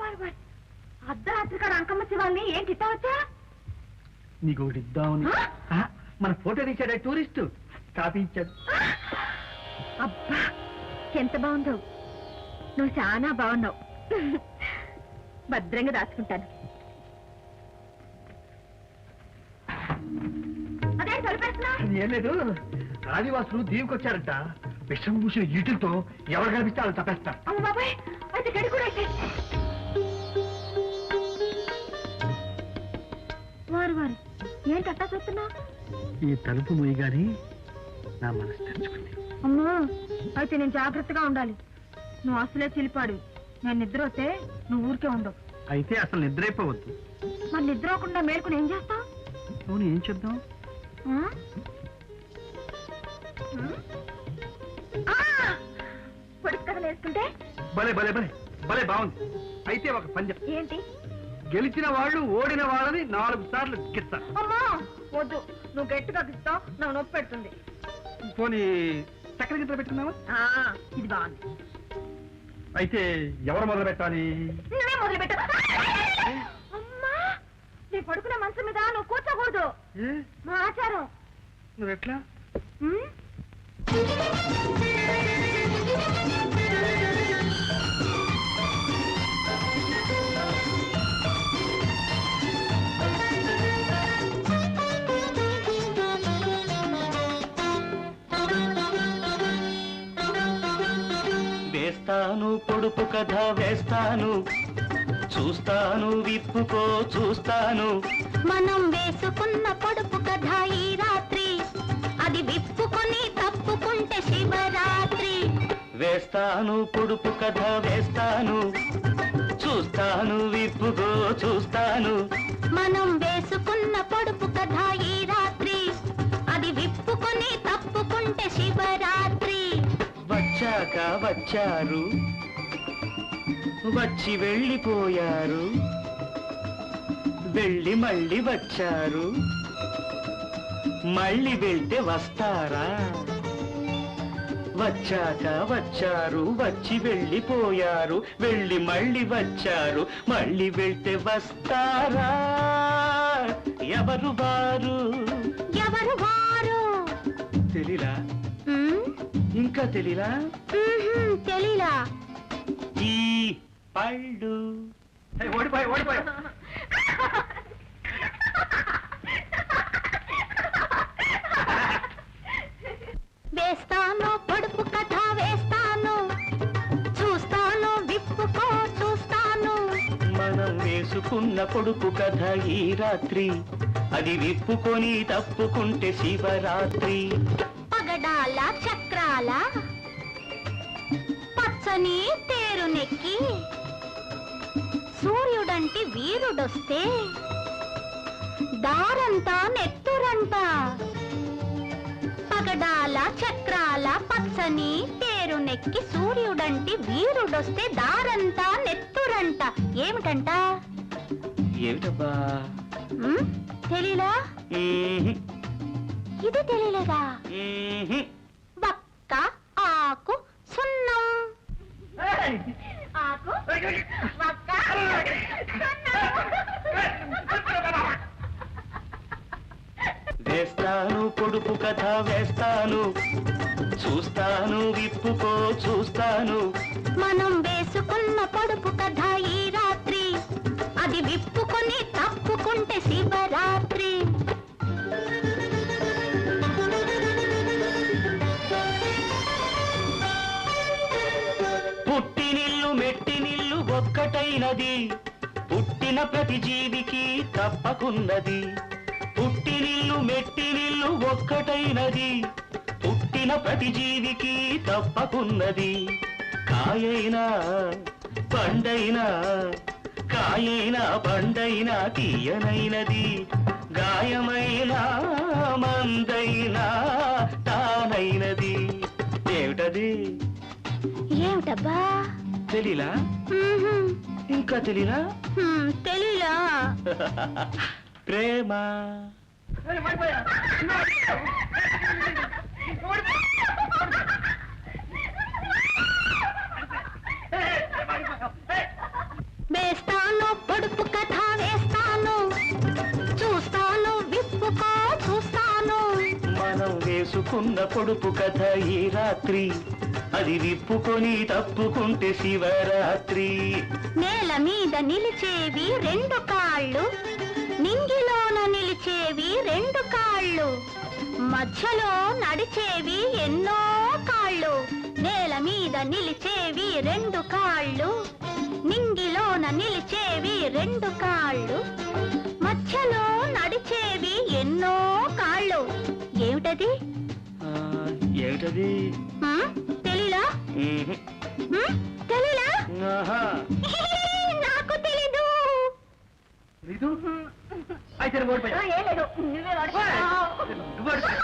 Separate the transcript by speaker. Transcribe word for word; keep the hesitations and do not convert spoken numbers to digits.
Speaker 1: అర్ధరాత్రి కాడ అంకమ్మ శివాల్ని ఏంటి ఇస్తావచ్చా?
Speaker 2: నీకు ఒకటి ఇద్దామని మన ఫోటో తీశాడు టూరిస్టు కాపీ ఇచ్చాడు.
Speaker 1: అబ్బా ఎంత బాగుందో, నువ్వు చాలా బాగున్నావు. భద్రంగా దాచుకుంటాను. అదే తొలిపేస్తున్నా.
Speaker 2: ఏం లేదు, ఆదివాసులు దీవికొచ్చారంట. విషం పూసిన ఈటులతో ఎవరు కనిపిస్తే వాళ్ళు తప్పేస్తారు.
Speaker 1: అమ్మ బాబాయ్, అయితే గడి కూడా వారు వారు ఏంటి అట్టా చూస్తున్నా?
Speaker 2: ఈ తలుపు మూయగాని నా మనసు తెరుచుకుంది.
Speaker 1: అమ్మో, అయితే నేను జాగ్రత్తగా ఉండాలి. నువ్వు అసలే చిలిపాడు. నేను నిద్ర వస్తే నువ్వు ఊరికే ఉండవు.
Speaker 2: అయితే అసలు నిద్రైపోవద్దు.
Speaker 1: మరి నిద్ర అవ్వకుండా మేలుకుని ఏం చేస్తావు?
Speaker 2: అవును, ఏం చేద్దాం?
Speaker 1: పొడుపు కథలు వేసుకుంటే
Speaker 2: భలే భలే భలే భలే బాగుంది. అయితే ఒక పంజం.
Speaker 1: ఏంటి?
Speaker 2: గెలిచిన వాళ్ళు ఓడిన వాళ్ళని నాలుగు సార్లు గిస్తారు.
Speaker 1: అమ్మా వద్దు, నువ్వు గట్టిగా గిస్తావు, నాకు నొప్పి పెడుతుంది.
Speaker 2: పోనీ చక్కెర గిట్ల పెట్టుకున్నావా?
Speaker 1: ఇది బాగుంది.
Speaker 2: అయితే ఎవరు మొదలు పెట్టాలి?
Speaker 1: నువ్వే మొదలు పెట్టు. అమ్మా, నీ పడుకునే మనసు మీద నువ్వు కూర్చోకూడదు, మా ఆచారం.
Speaker 2: నువ్వెట్లా?
Speaker 3: వేస్తాను పొడుపు కథ వేస్తాను, చూస్తాను విప్పుకో చూస్తాను.
Speaker 4: మనం వేసుకున్న పొడుపు కథ ఈ రాత్రి, అది విప్పుకొని తప్పుకుంటే శివరాత్రి.
Speaker 3: వేస్తాను పొడుపు కథ వేస్తాను, చూస్తాను విప్పుకో చూస్తాను.
Speaker 4: మనం వేసుకున్న పొడుపు కథ ఈ రాత్రి, అది విప్పుకొని తప్పుకుంటే శివరాత్రి.
Speaker 3: వచ్చాక వచ్చారు, వచ్చి వెళ్ళిపోయారు, వెళ్ళి మళ్ళీ వచ్చారు, మళ్ళీ వెళ్తే వస్తారా? వచ్చాక వచ్చారు, వచ్చి వెళ్ళిపోయారు, వెళ్ళి మళ్ళీ వచ్చారు, మళ్ళీ వెళ్తే వస్తారా? ఎవరు వారు?
Speaker 4: ఎవరు వారు?
Speaker 3: తెలీలా? ఇంకా తెలీలా?
Speaker 4: తెలీలా.
Speaker 3: ఈ పళ్ళు
Speaker 2: ఓడిపోయి ఓడిపోయి
Speaker 4: వేస్తాను పొడుపు కథ వేస్తాను, చూస్తాను విప్పుకో చూస్తాను.
Speaker 3: మనం వేసుకున్న పొడుపు కథ ఈ రాత్రి, అది విప్పుకొని తప్పుకుంటే శివరాత్రి.
Speaker 4: పగడాల చక్రాల పచ్చని తేరునెక్కి, సూర్యుడంటి వీరుడొస్తే దారంతా నెత్తురంట. పగడాల చక్రాల పచ్చని తేరునెక్కి, సూర్యుడంటి వీరుడొస్తే దారంతా నెత్తురంట. ఏమిటంట?
Speaker 3: ఏమిటబ్బా?
Speaker 4: తెలీలా? ఇది తెలియలేదా? వక్క ఆకు సున్నం. ఆకు వక్క
Speaker 3: వేస్తాను పొడుపు కథ వేస్తాను, చూస్తాను విప్పుకో చూస్తాను.
Speaker 4: మనం వేసుకున్న పొడుపు కథ ఈ రాత్రి, అది విప్పుకొని తప్పుకుంటే శివరాత్రి.
Speaker 3: పుట్టినిల్లు మెట్టినిల్లు ఒక్కటైనది, పుట్టిన ప్రతి జీవికి తప్పకున్నది. పుట్టినిల్లు మెట్టినిల్లు ఒక్కటైనది, పుట్టిన ప్రతి జీవికి తప్పకున్నది. కాయైనా పండైనా, కాయైనా పండైనా తీయనైనది, గాయమైన మందైనా తానైనది. ఏమిటది?
Speaker 4: ఏమిటబ్బా?
Speaker 3: తెలీలా? ఇంకా తెలీలా?
Speaker 4: తెలీలా.
Speaker 3: ప్రేమ.
Speaker 4: వేస్తా
Speaker 3: వేసుకున్న పొడుపు కథ ఈ రాత్రి అది విప్పుకొని తప్పుకుంటే శివరాత్రి.
Speaker 4: నేల మీద నిలిచేవి రెండు కాళ్ళు, నింగిలోన నిలిచేవి రెండు కాళ్ళు, మధ్యలో నడిచేవి ఎన్నో కాళ్ళు. నేల మీద నిలిచేవి రెండు కాళ్ళు, నింగిలోన నిలిచేవి రెండు కాళ్ళు, మధ్యలో నడిచేవి ఎన్నో కాళ్ళు. ఏమిటది?
Speaker 3: ఆ, ఏమిటది?
Speaker 4: ఆ? తెలీలా?
Speaker 3: మ్మ్.
Speaker 4: ఆ? తెలీలా?
Speaker 3: ఆహా.
Speaker 4: నాకు తెలీదు.
Speaker 2: నీదు అయితే నువ్వు ఓడిపోయావు.
Speaker 1: ఏం లేదు నువ్వే వాడుకో.
Speaker 2: నువ్వు ఓడిపోయావు.